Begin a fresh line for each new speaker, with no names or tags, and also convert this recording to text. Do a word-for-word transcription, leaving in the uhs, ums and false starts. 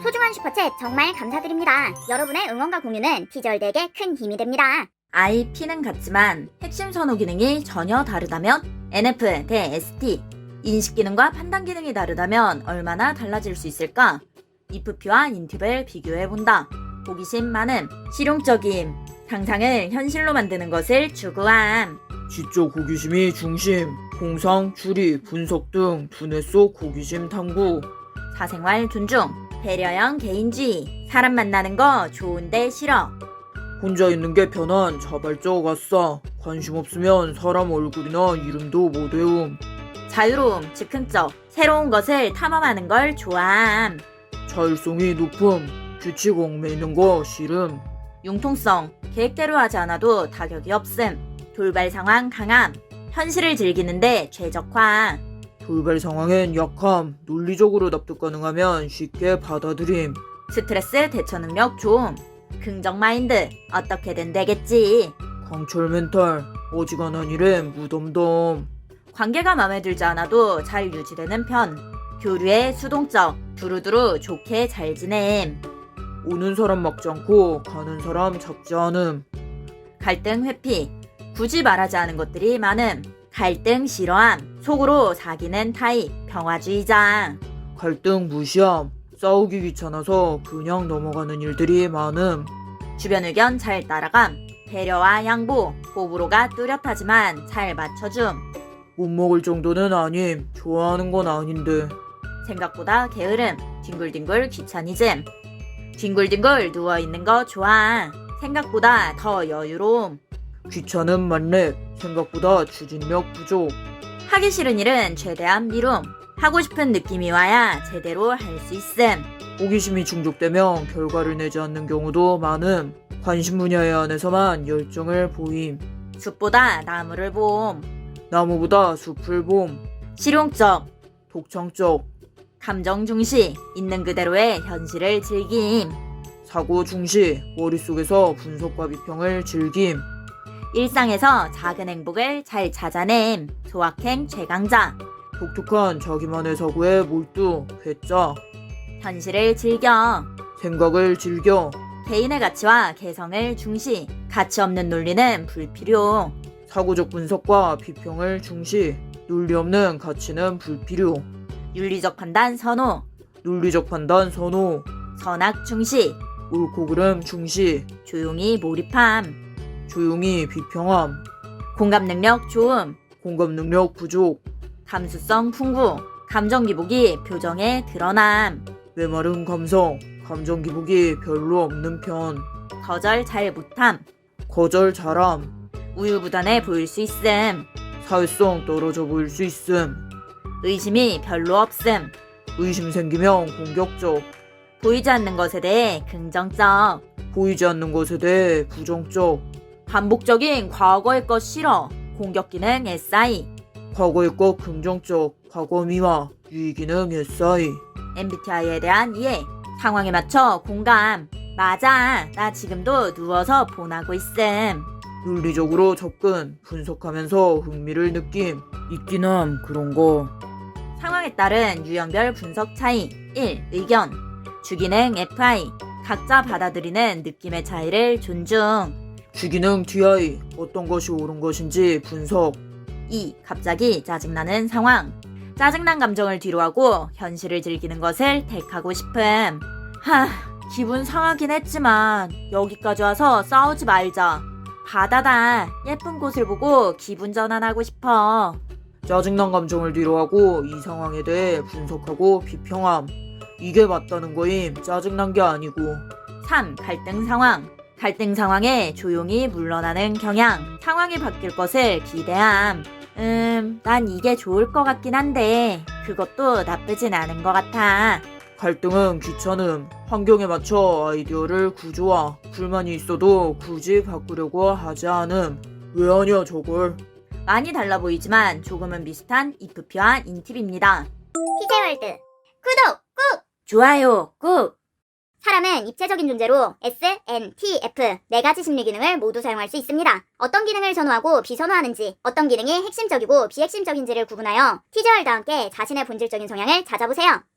소중한 슈퍼챗 정말 감사드립니다. 여러분의 응원과 공유는 티저월드에게 큰 힘이 됩니다.
아이피는 같지만 핵심 선호 기능이 전혀 다르다면 엔에프 대 에스티, 인식 기능과 판단 기능이 다르다면 얼마나 달라질 수 있을까? 이프피와 인팁을 비교해본다. 호기심 많음, 실용적임, 상상을 현실로 만드는 것을 추구함.
지적 호기심이 중심, 공상, 추리, 분석 등 두뇌 속 호기심 탐구.
사생활 존중, 배려형 개인주의, 사람 만나는 거 좋은데 싫어.
혼자 있는 게 편한 자발적 아싸. 관심 없으면 사람 얼굴이나 이름도 못 외움.
자유로움, 즉흥적, 새로운 것을 탐험하는 걸 좋아함.
자율성이 높음. 규칙 얽매이는 거 싫음.
융통성, 계획대로 하지 않아도 타격이 없음. 돌발 상황 강함, 현실을 즐기는데 최적화.
돌발 상황엔 약함. 논리적으로 납득 가능하면 쉽게 받아들임.
스트레스 대처 능력 좋음. 긍정 마인드, 어떻게든 되겠지.
강철 멘탈. 어지간한 일엔 무덤덤.
관계가 마음에 들지 않아도 잘 유지되는 편. 교류에 수동적, 두루두루 좋게 잘 지냄.
오는 사람 막지 않고 가는 사람 잡지 않음.
갈등 회피, 굳이 말하지 않은 것들이 많음. 갈등 싫어함, 속으로 사귀는 타입, 평화주의자.
갈등 무시함. 싸우기 귀찮아서 그냥 넘어가는 일들이 많음.
주변 의견 잘 따라감, 배려와 양보, 호불호가 뚜렷하지만 잘 맞춰줌.
못 먹을 정도는 아님. 좋아하는 건 아닌데.
생각보다 게으름, 뒹굴뒹굴 귀차니즘. 뒹굴뒹굴 누워있는 거 좋아. 생각보다 더 여유로움.
귀찮음 만렙. 생각보다 추진력 부족.
하기 싫은 일은 최대한 미룸. 하고 싶은 느낌이 와야 제대로 할 수 있음.
호기심이 중독되면 결과를 내지 않는 경우도 많음. 관심 분야에 한해서만 열정을 보임.
숲보다 나무를 봄.
나무보다 숲을 봄.
실용적,
독창적.
감정 중시, 있는 그대로의 현실을 즐김.
사고 중시. 머릿속에서 분석과 비평을 즐김.
일상에서 작은 행복을 잘 찾아냄. 소확행 최강자.
독특한 자기만의 사고에 몰두. 회자.
현실을 즐겨.
생각을 즐겨.
개인의 가치와 개성을 중시. 가치 없는 논리는 불필요.
사고적 분석과 비평을 중시. 논리 없는 가치는 불필요.
윤리적 판단 선호.
논리적 판단 선호.
선악 중시.
옳고 그름 중시.
조용히 몰입함.
조용히 비평함.
공감 능력 좋음.
공감 능력 부족.
감수성 풍부. 감정 기복이 표정에 드러남.
메마른 감성. 감정 기복이 별로 없는 편.
거절 잘 못함.
거절 잘함.
우유부단해 보일 수 있음.
사회성 떨어져 보일 수 있음.
의심이 별로 없음.
의심 생기면 공격적.
보이지 않는 것에 대해 긍정적.
보이지 않는 것에 대해 부정적.
반복적인 과거의 것 싫어. 공격 기능 에스아이.
과거의 것 긍정적. 과거 미화. 유의 기능 에스아이.
엠비티아이에 대한 이해. 상황에 맞춰 공감. 맞아. 나 지금도 누워서 폰하고 있음.
논리적으로 접근. 분석하면서 흥미를 느낌. 있긴 함 그런 거.
상황에 따른 유형별 분석 차이. 일. 의견. 주기능 에프아이. 각자 받아들이는 느낌의 차이를 존중.
주기능 티아이. 어떤 것이 옳은 것인지 분석.
이. 갑자기 짜증나는 상황. 짜증난 감정을 뒤로하고 현실을 즐기는 것을 택하고 싶음. 하, 기분 상하긴 했지만 여기까지 와서 싸우지 말자. 바다다. 예쁜 곳을 보고 기분 전환하고 싶어.
짜증난 감정을 뒤로하고 이 상황에 대해 분석하고 비평함. 이게 맞다는 거임. 짜증난 게 아니고.
삼. 갈등 상황. 갈등 상황에 조용히 물러나는 경향. 상황이 바뀔 것을 기대함. 음, 난 이게 좋을 것 같긴 한데 그것도 나쁘진 않은 것 같아.
갈등은 귀찮음. 환경에 맞춰 아이디어를 구조화. 불만이 있어도 굳이 바꾸려고 하지 않음. 왜 하냐 저걸.
많이 달라 보이지만 조금은 비슷한 이프피와 인팁입니다.
티저월드 구독 꾹!
좋아요 꾹!
사람은 입체적인 존재로 에스, 엔, 티, 에프 네 가지 심리 기능을 모두 사용할 수 있습니다. 어떤 기능을 선호하고 비선호하는지, 어떤 기능이 핵심적이고 비핵심적인지를 구분하여 티저월드와 함께 자신의 본질적인 성향을 찾아보세요.